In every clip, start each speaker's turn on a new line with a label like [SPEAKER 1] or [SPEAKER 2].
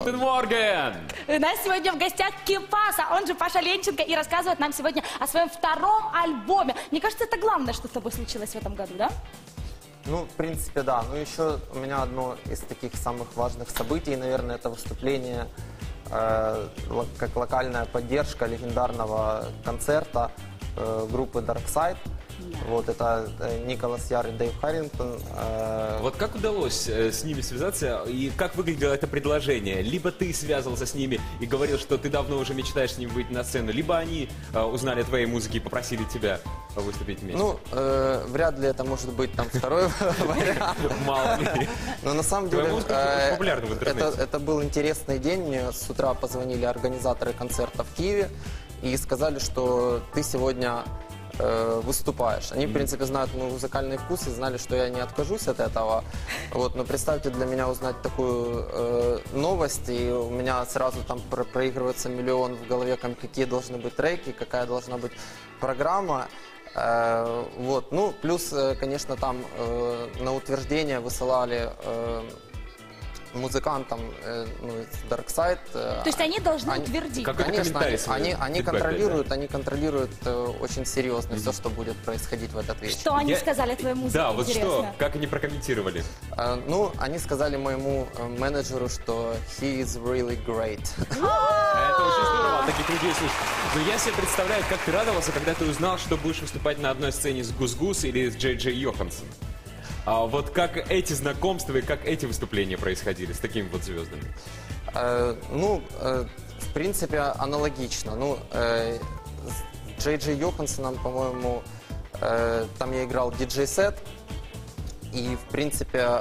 [SPEAKER 1] Гутен Морген!
[SPEAKER 2] У нас сегодня в гостях Кипаса, он же Паша Ленченко, и рассказывает нам сегодня о своем втором альбоме. Мне кажется, это главное, что с тобой случилось в этом году, да?
[SPEAKER 3] Ну, в принципе, да. Ну, еще у меня одно из таких самых важных событий, наверное, это выступление как локальная поддержка легендарного концерта группы Dark Side. Вот это Николас Яр и Дэйв Харрингтон.
[SPEAKER 1] Вот как удалось с ними связаться и как выглядело это предложение? Либо ты связывался с ними и говорил, что ты давно уже мечтаешь с ними выйти на сцену, либо они узнали о твоей музыке и попросили тебя выступить вместе?
[SPEAKER 3] Ну, вряд ли это может быть там второй вариант.
[SPEAKER 1] Мало ли.
[SPEAKER 3] Но на самом деле
[SPEAKER 1] Твоя музыка очень популярна в интернете.
[SPEAKER 3] это был интересный день. Мне с утра позвонили организаторы концерта в Киеве и сказали, что ты сегодня выступаешь. Они, в принципе, знают мой музыкальный вкус и знали, что я не откажусь от этого. Вот, но представьте для меня узнать такую новость, и у меня сразу там проигрывается миллион в голове, какие должны быть треки, какая должна быть программа. Вот, ну, плюс, конечно, там на утверждение высылали музыкантам из Dark Side.
[SPEAKER 2] То есть они должны утвердить.
[SPEAKER 3] Конечно, они контролируют очень серьезно все, что будет происходить в этот вечер.
[SPEAKER 2] Что они сказали о твоей музыке?
[SPEAKER 1] Да, вот
[SPEAKER 2] интересно.
[SPEAKER 1] что, как они прокомментировали?
[SPEAKER 3] Ну, они сказали моему менеджеру, что he is really great.
[SPEAKER 1] Это очень здорово, таких людей слушать. Но я себе представляю, как ты радовался, когда ты узнал, что будешь выступать на одной сцене с Гус-Гус или с Джей Джей Йоханссон. А вот как эти знакомства и как эти выступления происходили с такими вот звездами?
[SPEAKER 3] Ну, в принципе, аналогично. Ну, с Джей Джей Йоханссоном, по-моему, там я играл диджей-сет. И, в принципе,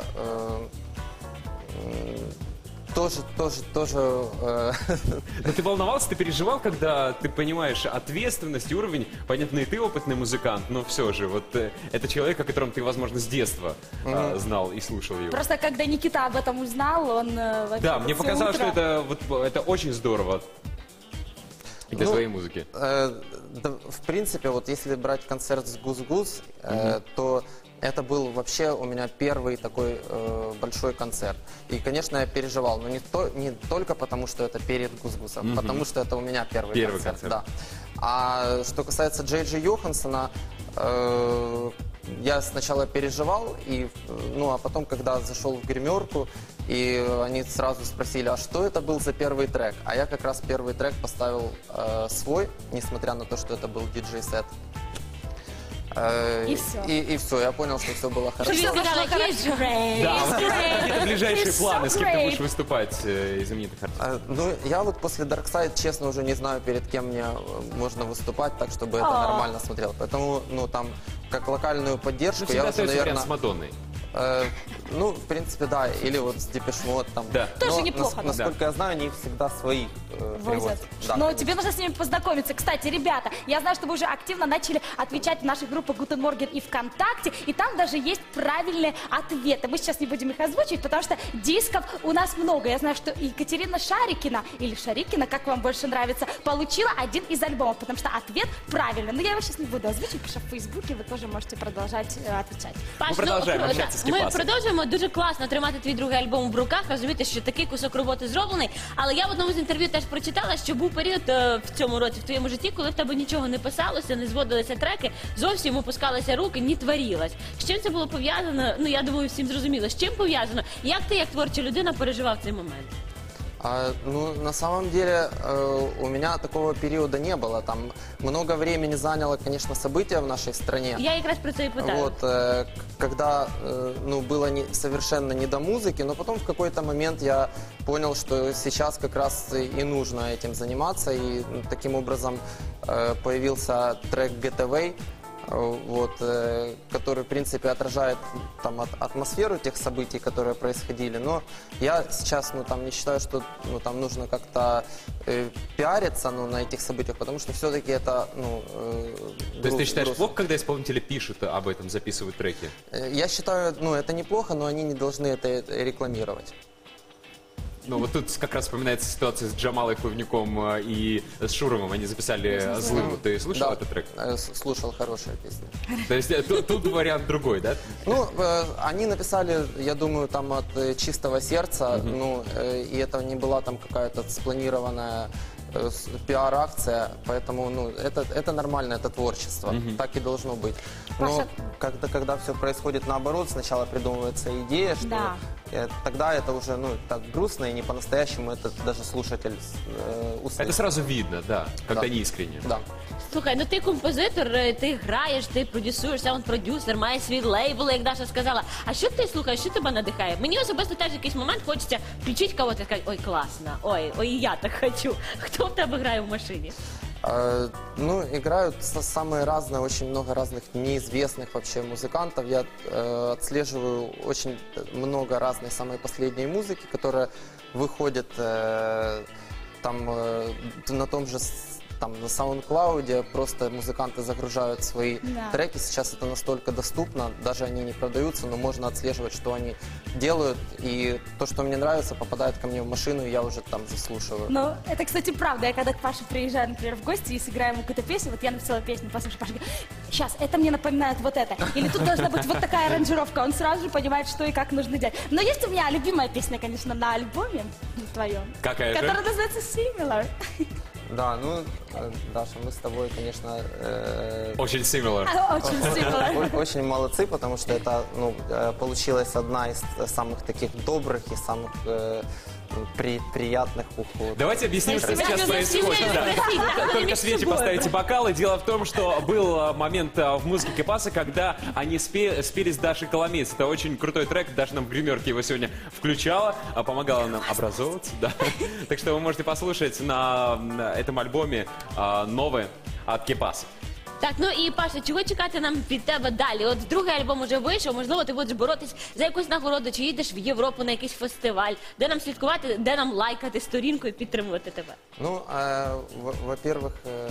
[SPEAKER 3] тоже.
[SPEAKER 1] Но ты волновался, ты переживал, когда ты понимаешь ответственность, уровень? Понятно, и ты опытный музыкант, но все же, вот это человек, о котором ты, возможно, с детства знал и слушал его.
[SPEAKER 2] Просто когда Никита об этом узнал, он вообще
[SPEAKER 1] Да, мне
[SPEAKER 2] всё
[SPEAKER 1] показалось,
[SPEAKER 2] утро-
[SPEAKER 1] что это очень здорово для твоей музыки.
[SPEAKER 3] Да, в принципе, вот если брать концерт с Гус-Гус, то это был вообще у меня первый такой большой концерт. И, конечно, я переживал, но не только потому, что это перед Гус-Гусом, потому что это у меня первый концерт. Да. А что касается Джей Джей Йоханссона, я сначала переживал, а потом, когда зашел в гримерку, и они сразу спросили, а что это был за первый трек? А я как раз первый трек поставил свой, несмотря на то, что это был диджей-сет.
[SPEAKER 2] И все.
[SPEAKER 3] И все, я понял, что все было хорошо.
[SPEAKER 2] Что сказала, he's great,
[SPEAKER 1] Да,
[SPEAKER 2] he's
[SPEAKER 1] вот
[SPEAKER 2] great,
[SPEAKER 1] какие-то ближайшие
[SPEAKER 2] he's
[SPEAKER 1] планы,
[SPEAKER 2] so
[SPEAKER 1] с кем ты
[SPEAKER 2] great.
[SPEAKER 1] будешь выступать из знаменитых артистов?
[SPEAKER 3] Ну, я вот после Dark Side, честно, уже не знаю, перед кем мне можно выступать, так, чтобы это нормально смотрело. Поэтому, ну, там, как локальную поддержку,
[SPEAKER 1] Ну,
[SPEAKER 3] я
[SPEAKER 1] всегда
[SPEAKER 3] уже,
[SPEAKER 1] остается вариант
[SPEAKER 3] наверное...
[SPEAKER 1] с Мадонной.
[SPEAKER 3] Ну, в принципе, да, или вот с Депеш Мод там.
[SPEAKER 1] Да.
[SPEAKER 2] Тоже
[SPEAKER 3] Но,
[SPEAKER 2] неплохо, да.
[SPEAKER 3] насколько я знаю, они всегда своих
[SPEAKER 2] Возят.
[SPEAKER 3] привозят. Да,
[SPEAKER 2] Но
[SPEAKER 3] конечно.
[SPEAKER 2] тебе нужно с ними познакомиться. Кстати, ребята, я знаю, что вы уже активно начали отвечать в наших группах Гутен Морген и ВКонтакте, и там даже есть правильные ответы. Мы сейчас не будем их озвучивать, потому что дисков у нас много. Я знаю, что Екатерина Шарикина, или Шарикина, как вам больше нравится, получила один из альбомов, потому что ответ правильный. Но я его сейчас не буду озвучивать, потому что в Фейсбуке вы тоже можете продолжать отвечать.
[SPEAKER 1] Ми продовжуємо общатися з
[SPEAKER 4] Ми
[SPEAKER 1] Кіпасом.
[SPEAKER 4] продовжуємо дуже класно тримати твій другий альбом в руках, розуміти, що такий кусок роботи зроблений. Але я в одному з інтерв'ю теж прочитала, що був період в цьому році в твоєму житті, коли в тебе нічого не писалося, не зводилися треки, зовсім опускалися руки, не творилось. З чим це було пов'язано? Ну, я думаю, всім зрозуміло. З чим пов'язано? Як ти, як творча людина, переживав цей момент?
[SPEAKER 3] Ну, на самом деле, у меня такого периода не было. Там много времени заняло, конечно, события в нашей стране.
[SPEAKER 4] Я якраз про це і питаю.
[SPEAKER 3] Вот, когда, ну, было совершенно не до музыки, но потом в какой-то момент я понял, что сейчас как раз и нужно этим заниматься, и таким образом появился трек Get Away, вот, который, в принципе, отражает там атмосферу тех событий, которые происходили. Но я сейчас, ну, там не считаю, что, ну, там нужно как-то пиариться, ну, на этих событиях, потому что все-таки это, ну,
[SPEAKER 1] То есть ты считаешь плохо, когда исполнители пишут об этом, записывают треки?
[SPEAKER 3] Я считаю, ну, это неплохо, но они не должны это рекламировать.
[SPEAKER 1] Ну вот тут как раз вспоминается ситуация с Джамалой Плавником и с Шуровым. Они записали «Злым». Ты слышал
[SPEAKER 3] Да,
[SPEAKER 1] этот трек?
[SPEAKER 3] слушал, хорошая песня.
[SPEAKER 1] То есть тут вариант другой, да?
[SPEAKER 3] Ну, они написали, я думаю, там от чистого сердца, ну, и это не была там какая-то спланированная пиар-акция, поэтому, ну, это нормально, это творчество, так и должно быть. Но когда все происходит наоборот, сначала придумывается идея, что
[SPEAKER 2] Да.
[SPEAKER 3] тогда это уже, ну, так грустно и не по-настоящему это даже слушатель услышит.
[SPEAKER 1] Это сразу видно, да, когда
[SPEAKER 3] Да.
[SPEAKER 1] не искренне.
[SPEAKER 3] Да.
[SPEAKER 4] Слухай, ну ти композитор, ти граєш, ти продюсуєш, саунд-продюсер, маєш свій лейбл, як Даша сказала. А що ти слухаєш, що тебе надихає? Мені особисто теж в якийсь момент хочеться включити кого-то і сказати, ой, класно, ой, я так хочу. Хто в тебе грає в машині?
[SPEAKER 3] Ну, играют самые разные, очень много разных неизвестных вообще музыкантов. Я отслеживаю очень много разной самой последней музыки, которая выходит там на том же там на SoundCloud, просто музыканты загружают свои
[SPEAKER 2] Да.
[SPEAKER 3] треки. Сейчас это настолько доступно, даже они не продаются, но можно отслеживать, что они делают. И то, что мне нравится, попадает ко мне в машину, и я уже там заслушиваю.
[SPEAKER 2] Ну, это, кстати, правда. Я когда к Паше приезжаю, например, в гости и сыграем ему какую-то песню, вот я написала песню, послушай, Паша говорит, сейчас, это мне напоминает вот это. Или тут должна быть вот такая аранжировка. Он сразу же понимает, что и как нужно делать. Но есть у меня любимая песня, конечно, на альбоме твоем.
[SPEAKER 1] Какая же?
[SPEAKER 2] Которая называется Similar.
[SPEAKER 3] Да, ну, Даша, мы с тобой, конечно,
[SPEAKER 1] Очень similar.
[SPEAKER 2] Очень similar.
[SPEAKER 3] очень молодцы, потому что это, ну, получилась одна из самых таких добрых и самых приятных уходов.
[SPEAKER 1] Давайте объясним, что
[SPEAKER 4] Спасибо.
[SPEAKER 1] сейчас
[SPEAKER 4] Спасибо.
[SPEAKER 1] происходит. Да.
[SPEAKER 4] Спасибо.
[SPEAKER 1] Только
[SPEAKER 4] Между
[SPEAKER 1] Свете
[SPEAKER 4] собой.
[SPEAKER 1] поставите бокалы. Дело в том, что был момент в музыке Кепаса, когда они спели с Дашей Коломейц. Это очень крутой трек. Даша нам в гримерке его сегодня включала, помогала нам образовываться. Да. Так что вы можете послушать на этом альбоме новое от Кепаса.
[SPEAKER 4] Так, ну і Паша, чого чекати нам від тебе далі? От другий альбом уже вийшов, можливо, ти будеш боротись за якусь нагороду, чи їдеш в Європу на якийсь фестиваль, де нам слідкувати, де нам лайкати сторінку і підтримувати тебе?
[SPEAKER 3] Ну, во-первых,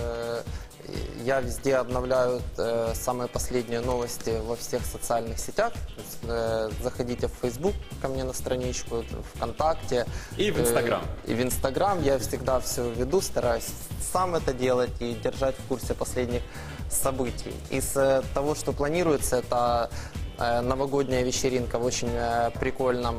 [SPEAKER 3] я везде обновляю самые последние новости во всех социальных сетях. То есть, заходите в Facebook ко мне на страничку, ВКонтакте.
[SPEAKER 1] И в Инстаграм.
[SPEAKER 3] И в Инстаграм я всегда все веду, стараюсь сам это делать и держать в курсе последних событий. Из того, что планируется, это новогодняя вечеринка в очень прикольном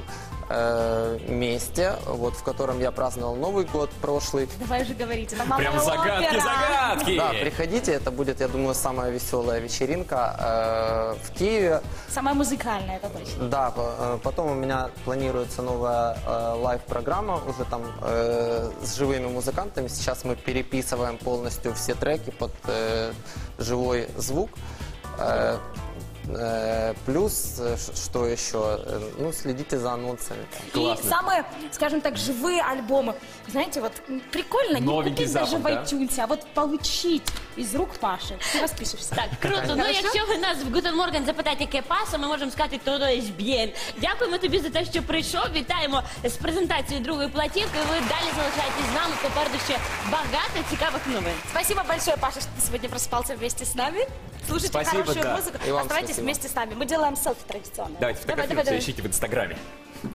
[SPEAKER 3] месте, вот, в котором я праздновал Новый год прошлый.
[SPEAKER 2] Давай уже говорите. Это малая
[SPEAKER 1] Прям
[SPEAKER 2] опера.
[SPEAKER 1] загадки!
[SPEAKER 3] Да, приходите, это будет, я думаю, самая веселая вечеринка в Киеве.
[SPEAKER 2] Самая музыкальная, это точно.
[SPEAKER 3] Да, потом у меня планируется новая лайв-программа уже там с живыми музыкантами. Сейчас мы переписываем полностью все треки под живой звук. Плюс, что еще? Ну, следите за анонсами.
[SPEAKER 1] Классно.
[SPEAKER 2] И самые, скажем так, живые альбомы. Знаете, вот прикольно
[SPEAKER 1] Новенький
[SPEAKER 2] не купить даже
[SPEAKER 1] запах,
[SPEAKER 2] в
[SPEAKER 1] да?
[SPEAKER 2] iTunes, а вот получить из рук Паши. Ты распишешься.
[SPEAKER 4] Так, круто. Ну,
[SPEAKER 2] Хорошо?
[SPEAKER 4] якщо ви нас в Guten Morgen запитаєте, яке паса, ми можемо сказати, то є б'єн. Дякуємо тобі за те, що прийшов. Вітаємо з презентацією другої платівки. Ви далі залишаєтесь з нами. Попереду ще багато цікавих новин.
[SPEAKER 2] Спасибо большое, Паша, что ты сегодня просыпался вместе с нами. Слушайте
[SPEAKER 1] Спасибо,
[SPEAKER 2] хорошую
[SPEAKER 1] да.
[SPEAKER 2] музыку.
[SPEAKER 3] И вам
[SPEAKER 2] Оставайтесь
[SPEAKER 3] спасибо.
[SPEAKER 2] вместе с нами. Мы делаем селфи традиционное.
[SPEAKER 1] Давайте фотографируемся, ищите в Инстаграме.